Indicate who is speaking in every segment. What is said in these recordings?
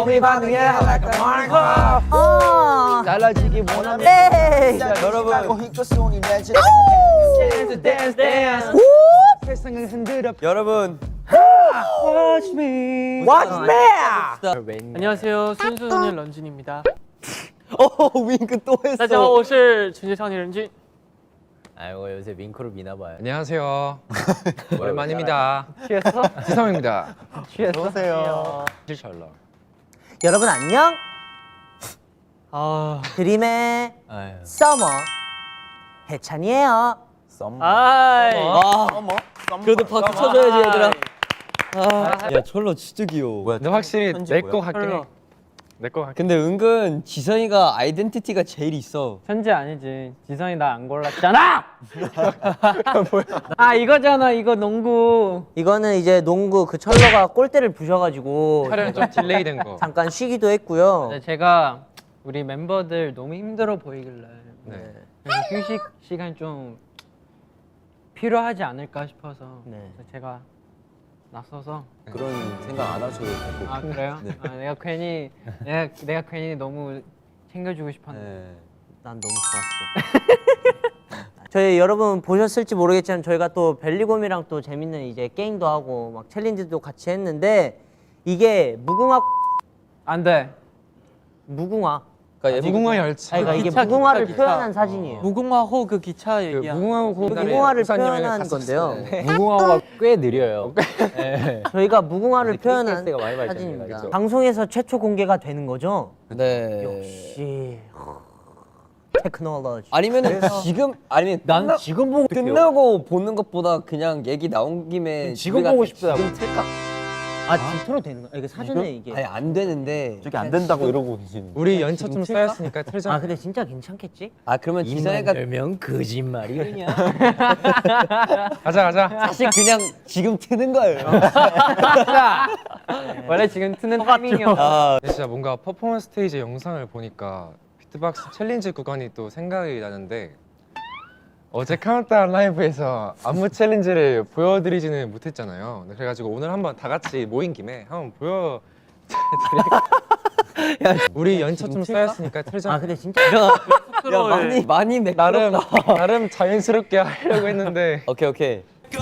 Speaker 1: 몸이 반응해 like a Minecraft. 달라지기 원하면 여러분 dance dance 세상을 흔들어 여러분 Watch me
Speaker 2: 안녕하세요, 순수소년 런쥔입니다.
Speaker 1: 윙크 또 했어
Speaker 2: 大家好，我是纯洁少年任俊。
Speaker 1: 아이고 요새 윙크로 미나봐요
Speaker 3: 안녕하세요. 오랜만입니다.
Speaker 2: 취했어?
Speaker 3: 지성입니다.
Speaker 2: 취했어?
Speaker 3: 실철러.
Speaker 4: 여러분 안녕.
Speaker 2: 아,
Speaker 4: 드림의
Speaker 1: 아유.
Speaker 4: 서머 해찬이에요.
Speaker 2: 아이.
Speaker 1: 그래도 박수 쳐줘야지 얘들아 야 철로 진짜 귀여워
Speaker 3: 근데 확실히 내 거 같긴 해.
Speaker 2: 철러.
Speaker 3: 내 거 같긴
Speaker 1: 근데 은근 지성이가 아이덴티티가 제일 있어
Speaker 2: 천재 아니지. 지성이 나 안 골랐잖아. 뭐야? 아 이거잖아. 이거 농구.
Speaker 4: 이거는 이제 농구 그 철러가 골대를 부셔가지고
Speaker 3: 촬영 좀 딜레이 된 거.
Speaker 4: 잠깐 쉬기도 했고요.
Speaker 2: 네, 제가 우리 멤버들 너무 힘들어 보이길래
Speaker 3: 네.
Speaker 2: 그래서 휴식 시간 좀 필요하지 않을까 싶어서
Speaker 4: 네.
Speaker 2: 제가 나서서.
Speaker 1: 그런 생각 안 하셔도 되고
Speaker 2: 아 그래요? 아, 내가 괜히 너무 챙겨주고 싶었는데.
Speaker 1: 네.
Speaker 4: 난 너무 좋았어. 저희 여러분 보셨을지 모르겠지만 저희가 또 벨리곰이랑 또 재밌는 이제 게임도 하고 막 챌린지도 같이 했는데 이게 무궁화
Speaker 2: 안 돼.
Speaker 1: 그러니까
Speaker 3: 무궁화 열차.
Speaker 4: 아니, 그러니까 이게
Speaker 2: 기차,
Speaker 4: 무궁화를
Speaker 2: 기차.
Speaker 4: 표현한 사진이에요.
Speaker 2: 무궁화호 그 기차 얘기야.
Speaker 4: 무궁화를 표현한 건데요.
Speaker 1: 무궁화호가 꽤 느려요 네.
Speaker 4: 저희가 무궁화를 표현한
Speaker 1: KTX가 많이 발전해요,
Speaker 4: 사진입니다.
Speaker 1: 그죠?
Speaker 4: 방송에서 최초 공개가 되는 거죠?
Speaker 1: 네.
Speaker 4: 역시 테크놀로지.
Speaker 1: 아니면은 지금 아니면 난 지금 보고 끝나고 보는 것보다 그냥 얘기 나온 김에
Speaker 5: 지금 보고 싶더라고.
Speaker 1: 지금 틀까?
Speaker 4: 아 지금 되는 거야? 이게 사전에 이게.
Speaker 1: 아니 안 되는데
Speaker 5: 저기 안 된다고 이러고 계시는.
Speaker 3: 우리 연차 좀 쌓였으니까 틀자.
Speaker 4: 아 근데 진짜 괜찮겠지?
Speaker 1: 아 그러면 지성이가
Speaker 5: 면 거짓말이냐?
Speaker 3: 가자.
Speaker 1: 사실 그냥 지금 트는 거예요
Speaker 2: 원래 지금 트는 타이밍이었어.
Speaker 1: 아
Speaker 3: 근데 진짜 뭔가 퍼포먼스 스테이지 영상을 보니까 비트박스 챌린지 구간이 또 생각이 나는데 어제 카운트다운 라이브에서 안무 챌린지를 보여드리지는 못했잖아요. 그래가지고 오늘 한번 다 같이 모인 김에 한번 보여드릴게요. 우리 연차 좀 쌓였으니까 틀자.
Speaker 4: 아 근데 진짜
Speaker 1: 야 많이 매끄럽다
Speaker 3: 나름 자연스럽게 하려고 했는데
Speaker 1: 오케이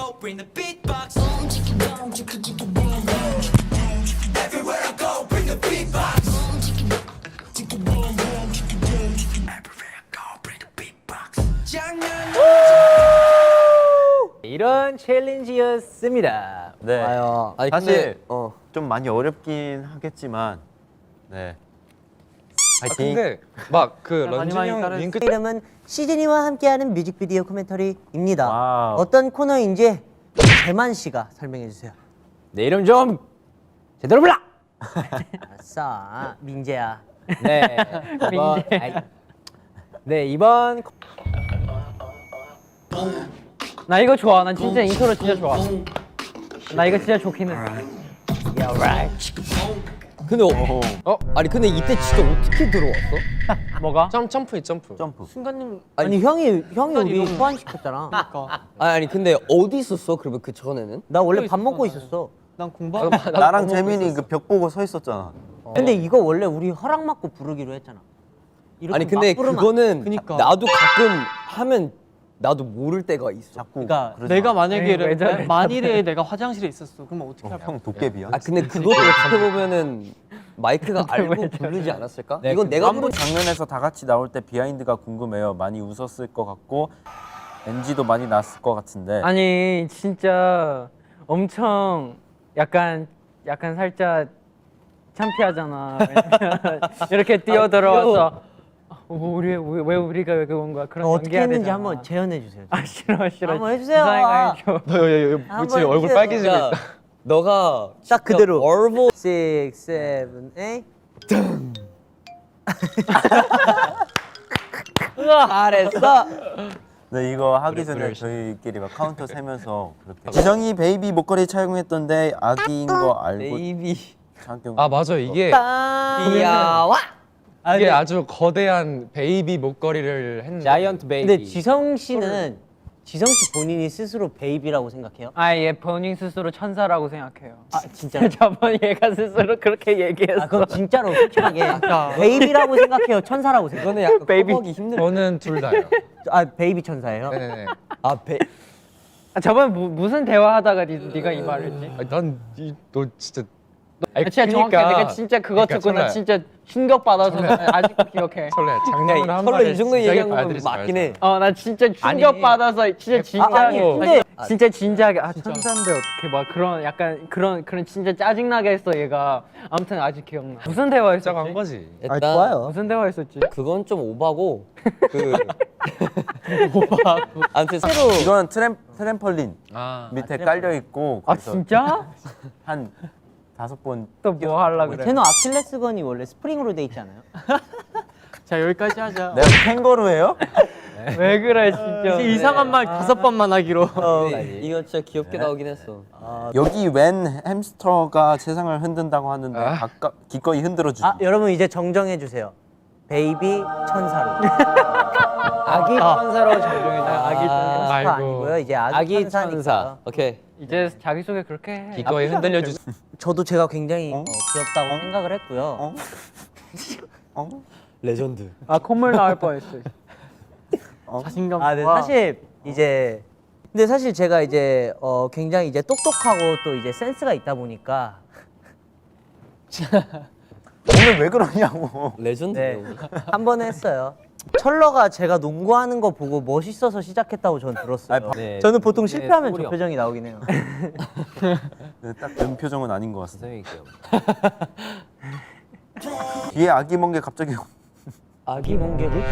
Speaker 5: 이런 챌린지였습니다.
Speaker 6: 네.
Speaker 1: 아유 아니
Speaker 6: 사실
Speaker 1: 근데
Speaker 6: 좀 많이 어렵긴 하겠지만 네. 파이팅.
Speaker 3: 근데 막 그
Speaker 2: 많이
Speaker 3: 런쥔
Speaker 2: 많이
Speaker 3: 형
Speaker 2: 따라했어.
Speaker 3: 윙크
Speaker 4: 이름은 시즈니와 함께하는 뮤직비디오 코멘터리입니다.
Speaker 6: 와우.
Speaker 4: 어떤 코너인지 재만 씨가 설명해 주세요.
Speaker 5: 내 이름 좀 제대로 불러.
Speaker 4: 아싸 민재야.
Speaker 5: 네. 이번, 네 이번
Speaker 2: 나 이거 좋아. 난 진짜 인트로 진짜 좋아. 나 이거 진짜 좋긴 해.
Speaker 1: 근데 아니 근데 이때 진짜 어떻게 들어왔어?
Speaker 2: 뭐가?
Speaker 3: 점프.
Speaker 6: 점프.
Speaker 2: 순간님
Speaker 4: 아니 형이 우리 소환시켰잖아.
Speaker 1: 아니 근데 어디 있었어? 그러면 그 전에는?
Speaker 4: 나 원래 밥 먹고 있었어.
Speaker 2: 난 공부하고
Speaker 6: 나랑 재민이 그 벽 보고 서 있었잖아.
Speaker 4: 근데 이거 원래 우리 허락 받고 부르기로 했잖아. 이렇게
Speaker 1: 아니 근데
Speaker 4: 막 부르면
Speaker 1: 그거는
Speaker 2: 그니까.
Speaker 1: 나도 가끔 하면 나도 모를 때가 있어.
Speaker 6: 자꾸.
Speaker 4: 그러니까
Speaker 6: 그러지
Speaker 2: 내가
Speaker 6: 마.
Speaker 2: 만약에 만일에 내가 화장실에 있었어. 그러면 어떻게 할 거야?
Speaker 6: 형 도깨비야?
Speaker 1: 아 근데 그것도 어떻게 보면은 마이크가 알고 부르지 않았을까? 이건 내가 부른
Speaker 6: 장면에서 다 같이 나올 때 비하인드가 궁금해요. 많이 웃었을 것 같고 NG도 많이 났을 것 같은데.
Speaker 2: 아니 진짜 엄청 약간 살짝 창피하잖아. 왜냐면 이렇게 뛰어 들어와서 왜 우리가 왜 그런 거야? 그런
Speaker 4: 어떻게
Speaker 2: 연기해야
Speaker 4: 했는지
Speaker 2: 되잖아.
Speaker 4: 한번 재현해 주세요.
Speaker 2: 아 싫어.
Speaker 4: 한번 해주세요.
Speaker 2: 지성이가 해줘.
Speaker 3: 너
Speaker 4: 한번
Speaker 3: 얼굴
Speaker 4: 해주세요.
Speaker 3: 빨개지고
Speaker 1: 야,
Speaker 3: 있다.
Speaker 1: 너가
Speaker 4: 딱 그대로.
Speaker 1: 얼보
Speaker 4: 6, 7, 8.
Speaker 1: 잘했어.
Speaker 6: 네 이거 하기 전에 저희끼리 막 카운터 세면서 그렇게. 지성이 베이비 목걸이 착용했던데 아기인 거 알고
Speaker 1: 베이비
Speaker 6: 착용.
Speaker 3: 아 맞아 이게
Speaker 1: 귀여워.
Speaker 3: 이게 아주 거대한 베이비 목걸이를 했는데
Speaker 5: 자이언트 베이비.
Speaker 4: 근데 지성 씨는 지성 씨 본인이 스스로 베이비라고 생각해요?
Speaker 2: 아, 얘 본인 스스로 천사라고 생각해요.
Speaker 4: 아 진짜?
Speaker 2: 저번 얘가 스스로 그렇게 얘기했어.
Speaker 4: 아 그럼 진짜로 솔직하게 베이비라고 생각해요? 천사라고 생각해요?
Speaker 1: 이거는 약간
Speaker 2: 베이비.
Speaker 1: 커버하기 힘들어.
Speaker 3: 저는 둘 다요.
Speaker 4: 아 베이비 천사예요?
Speaker 3: 네네네.
Speaker 1: 아
Speaker 2: 아, 저번에 무슨 대화하다가 네가 이 말했지?
Speaker 3: 너 진짜.
Speaker 2: 아, 진짜 정확해. 내가 진짜 그거
Speaker 3: 그러니까
Speaker 2: 듣고 나
Speaker 3: 설레.
Speaker 2: 진짜 충격 받아서 아직도 기억해.
Speaker 3: 설레. 장난을 한
Speaker 1: 설레
Speaker 3: 말에
Speaker 1: 이 정도
Speaker 3: 진지하게
Speaker 1: 얘기한 건
Speaker 3: 받아들이지
Speaker 1: 맞긴
Speaker 3: 말자.
Speaker 1: 해.
Speaker 2: 나 진짜 충격 받아서 진짜 진지하게.
Speaker 4: 아니, 근데-
Speaker 2: 진짜 진지하게 천사인데 어떻게 막 그런 약간 그런 진짜 짜증나게 했어 얘가. 아무튼 아직 기억나. 무슨 대화했었지?
Speaker 3: 시작한 거지.
Speaker 1: 일단
Speaker 4: 좋아요.
Speaker 2: 무슨 대화했었지?
Speaker 1: 그건 좀 오바고 그 아무튼
Speaker 6: 이거는 트램펄린
Speaker 3: 아.
Speaker 6: 밑에 깔려 있고
Speaker 2: 아
Speaker 6: 그래서
Speaker 2: 진짜?
Speaker 6: 한 5번
Speaker 2: 또 뭐 하려 그래?
Speaker 4: 제노 아킬레스건이 원래 스프링으로 돼 있지 않아요?
Speaker 2: 자 여기까지 하자.
Speaker 6: 내가 캥거루예요?
Speaker 2: 왜 그래 진짜?
Speaker 5: 이상한 말 5번만 하기로.
Speaker 1: 이거 진짜 귀엽게 나오긴 했어.
Speaker 6: 여기 웬 햄스터가 세상을 흔든다고 하는데
Speaker 3: 아.
Speaker 6: 기꺼이 흔들어 주지.
Speaker 4: 아 여러분 이제 정정해 주세요. 베이비 천사로.
Speaker 5: 아기 천사로 정정해줘.
Speaker 2: 아기
Speaker 4: 천사
Speaker 3: 아이고.
Speaker 4: 아니고요. 이제 아기,
Speaker 5: 아기
Speaker 4: 천사니까.
Speaker 5: 천사.
Speaker 1: 오케이.
Speaker 2: 이제 자기 소개 그렇게 해.
Speaker 3: 기꺼이 흔들려 주.
Speaker 4: 저도 제가 굉장히 귀엽다고 생각을 했고요.
Speaker 1: 레전드.
Speaker 2: 아 콧물 나올 뻔했어. 자신감.
Speaker 4: 아, 네. 사실 이제 근데 사실 제가 이제 굉장히 이제 똑똑하고 또 이제 센스가 있다 보니까
Speaker 6: 오늘 왜 그러냐고.
Speaker 1: 레전드.
Speaker 4: 네. 한 번 했어요. 철러가 제가 농구하는 거 보고 멋있어서 시작했다고 저는 들었어요.
Speaker 1: 네.
Speaker 4: 저는 보통 실패하면
Speaker 5: 소울이
Speaker 4: 저 표정이 나오긴 해요.
Speaker 6: 네, 딱 그런 표정은 아닌 것 같습니다.
Speaker 5: 선생님이 귀여워.
Speaker 6: 뒤에 아기 멍게 갑자기
Speaker 1: 아기 멍게를?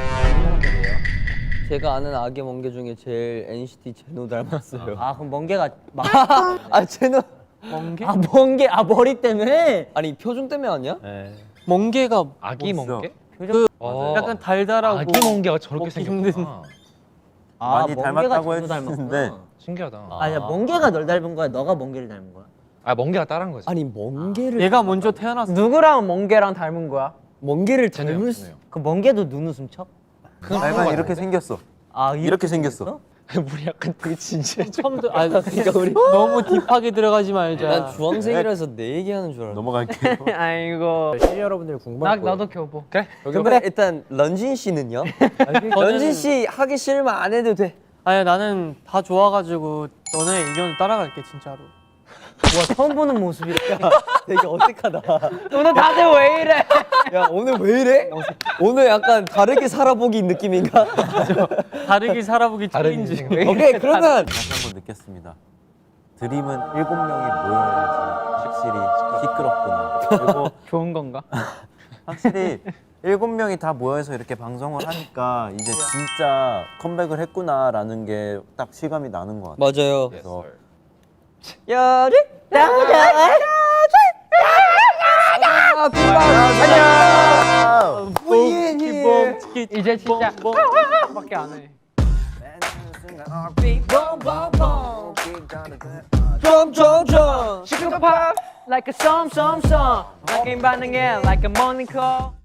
Speaker 1: 제가 아는 아기 멍게 중에 제일 NCT 제노 닮았어요.
Speaker 4: 아 그럼 멍게가 막
Speaker 1: 아 제노.
Speaker 2: 멍게?
Speaker 4: 멍게 머리 때문에
Speaker 1: 아니 표정 때문에 아니야?
Speaker 2: 멍게가
Speaker 3: 아기
Speaker 6: 멋있어.
Speaker 3: 멍게?
Speaker 4: 표정
Speaker 2: 약간 달달하고
Speaker 3: 아기 멍게가 저렇게
Speaker 2: 먹기 힘든.
Speaker 3: 생겼구나.
Speaker 6: 많이
Speaker 4: 멍게가
Speaker 6: 닮았다고
Speaker 4: 제노 닮았구나.
Speaker 6: 했는데
Speaker 3: 신기하다.
Speaker 4: 아니야 멍게가 널 닮은 거야? 너가 멍게를 닮은 거야?
Speaker 3: 아 멍게가 따라한 거지.
Speaker 1: 아니 멍게를
Speaker 2: 얘가 먼저 태어났어. 누구랑 멍게랑 닮은 거야?
Speaker 1: 멍게를
Speaker 3: 쟤네요,
Speaker 1: 닮을 수.
Speaker 3: 쟤네요.
Speaker 4: 그 멍게도 눈웃음 쳐?
Speaker 6: 약간 이렇게 생겼어.
Speaker 4: 아
Speaker 6: 이렇게 생겼어.
Speaker 3: 우리 약간 되게 진지해.
Speaker 2: 처음부터 그러니까 우리 너무 딥하게 들어가지 말자.
Speaker 1: 난 주황색이라서 내 얘기하는 줄 알았어.
Speaker 6: 넘어갈게요.
Speaker 2: 아이고.
Speaker 5: 시청자 여러분들 궁금한 거.
Speaker 2: 나도 교보.
Speaker 3: 그래?
Speaker 1: 근데 일단 런쥔 씨는요? 런쥔 씨 하기 싫으면 안 해도 돼.
Speaker 7: 아니 나는 다 좋아가지고 너네 의견을 따라갈게 진짜로.
Speaker 4: 와 처음 보는 모습이야.
Speaker 1: 되게 어색하다.
Speaker 2: 오늘 다들 왜 이래?
Speaker 1: 야 오늘 왜 이래? 오늘 약간 다르게 살아보기 느낌인가?
Speaker 7: 다르게 살아보기
Speaker 3: 다른
Speaker 7: 챌린지.
Speaker 3: 인생.
Speaker 1: 오케이 그러면
Speaker 6: 다시 한번 느꼈습니다. 드림은 7명이 모여야지 확실히 시끄럽구나. 그리고
Speaker 2: 좋은 건가?
Speaker 6: 확실히 7명이 다 모여서 이렇게 방송을 하니까 이제 진짜 컴백을 했구나라는 게 딱 실감이 나는 것 같아요.
Speaker 1: 맞아요.
Speaker 6: 그래서
Speaker 1: 야리
Speaker 2: 이제 진짜 밖에 안 해.
Speaker 1: 점점점
Speaker 2: Sugar pop like a song, rocking 반응해 like a morning call.